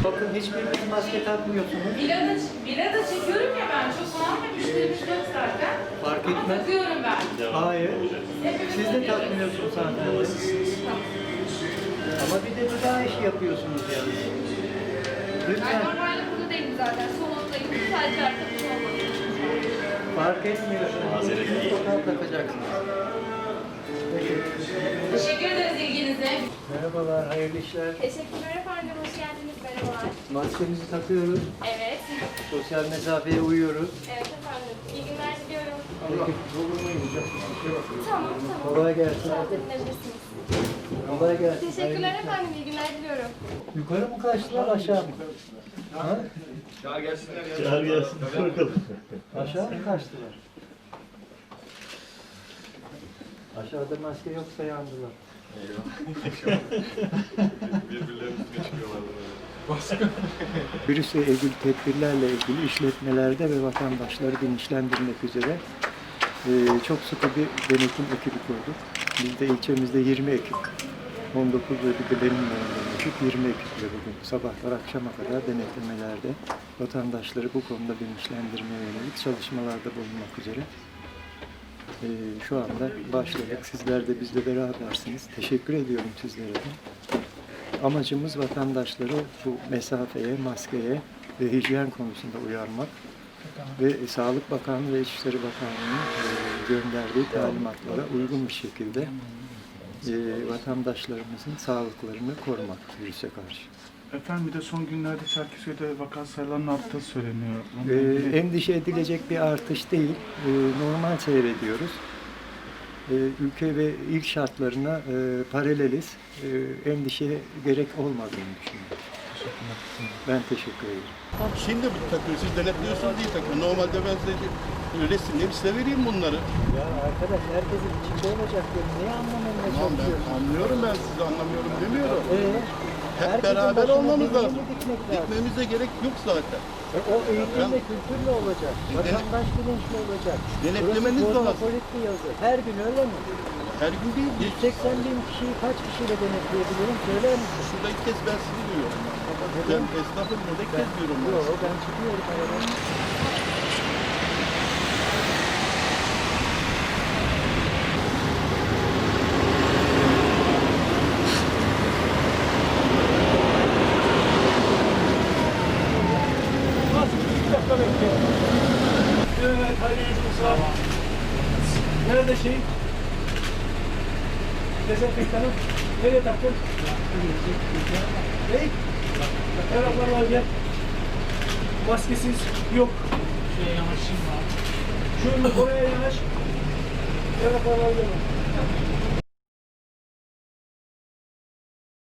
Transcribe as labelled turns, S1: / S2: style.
S1: Bakın hiçbiriniz maske takmıyorsunuz.
S2: Bila da çekiyorum ya ben. Çok falan ve müşterimiz yok zaten.
S1: Fark
S2: Ama
S1: etmez.
S2: takıyorum ben.
S1: Hayır.
S2: Hepimiz
S1: Siz de
S2: takıyoruz.
S1: takmıyorsunuz zaten. Ama bir de bir daha iş yapıyorsunuz yani.
S3: Ben
S1: Lütfen.
S3: normalde burada değilim zaten. Salondayım. Sadece arkadaşım olmadı.
S1: Fark etmiyor. Mutlaka takacaksınız. Peki.
S2: Teşekkür ederiz ilginize.
S1: Merhabalar, hayırlı işler.
S3: Teşekkürler efendim. Hoş geldiniz. Merhabalar.
S1: Maskemizi takıyoruz.
S3: Evet.
S1: Sosyal mesafeye uyuyoruz.
S3: Evet efendim. İyi günler diliyorum.
S1: Peki.
S3: Tamam.
S1: Kolay gelsin.
S3: Rahat edinebilirsiniz.
S1: Kolay gelsin.
S3: Teşekkürler efendim. İyi günler diliyorum.
S1: Yukarı mı kaçtılar, aşağı mı? Ha?
S4: Çağır gelsin. Bakalım.
S1: Aşağı mı kaçtılar? Aşağıda maske yoksa yandılar.
S4: Birbirlerinin üstüne çıkıyorlar böyle.
S1: Virüsle ilgili tedbirlerle ilgili işletmelerde ve vatandaşları bilinçlendirmek üzere çok sıkı bir denetim ekibi kurduk. Biz de ilçemizde 20 ekip, 19 ve bir de benimle olan ekip 20 ekiple bugün sabahlar akşama kadar denetlemelerde vatandaşları bu konuda bilinçlendirmeye yönelik çalışmalarda bulunmak üzere. Şu anda başladık. Sizler de bizle berabersiniz. Teşekkür ediyorum sizlere de. Amacımız vatandaşları bu mesafeye, maskeye ve hijyen konusunda uyarmak ve Sağlık Bakanlığı ve İçişleri Bakanlığı'nın gönderdiği talimatlara uygun bir şekilde vatandaşlarımızın sağlıklarını korumak virüse karşı.
S5: Efendim bir de son günlerde Çerkezköy'de vaka sayılarının arttığı söyleniyor.
S1: Endişe edilecek bir artış değil. Normal seyrediyoruz. Ülke ve il şartlarına paraleliz. Endişeye gerek olmadığını düşünüyorum. Ben teşekkür ederim.
S6: Şimdi bu takıyor, siz denetliyorsunuz diye takıyor. Normalde ben size resimleri size vereyim bunları.
S1: Ya arkadaş herkesin içinde olacak diyor. Neyi anlamamaya
S6: Tamam ben
S1: çalışıyorsun?
S6: anlıyorum, ben sizi anlamıyorum demiyorum. Hep
S1: Herkesin
S6: beraber
S1: başına
S6: olmamız
S1: dediğini
S6: lazım.
S1: dikmek lazım.
S6: Gitmemize gerek yok zaten.
S1: O eğitimle, kültürle olacak. Vatandaş bilinçli olacak.
S6: Denetlemeniz
S1: Burası
S6: lazım.
S1: kozmopolitli yazı. Her gün öyle mi?
S6: Her gün değil.
S1: 180 bin kişiyi kaç kişiyle denetleyebilirim? Söyler misin?
S6: Şurada ilk kez ben sizi duyuyorum. Ben esnafım burada ilk kez diyorum.
S1: Yok, ben çıkıyorum aradan.
S7: Evet, hayırlı olsun. Nerede şey? Dezenfektanı nereye taktın? Ne? Taraflar var gel. Maskesiz yok. Şuraya yanaşayım var. Şöyle oraya yanaş. Taraflar var gel.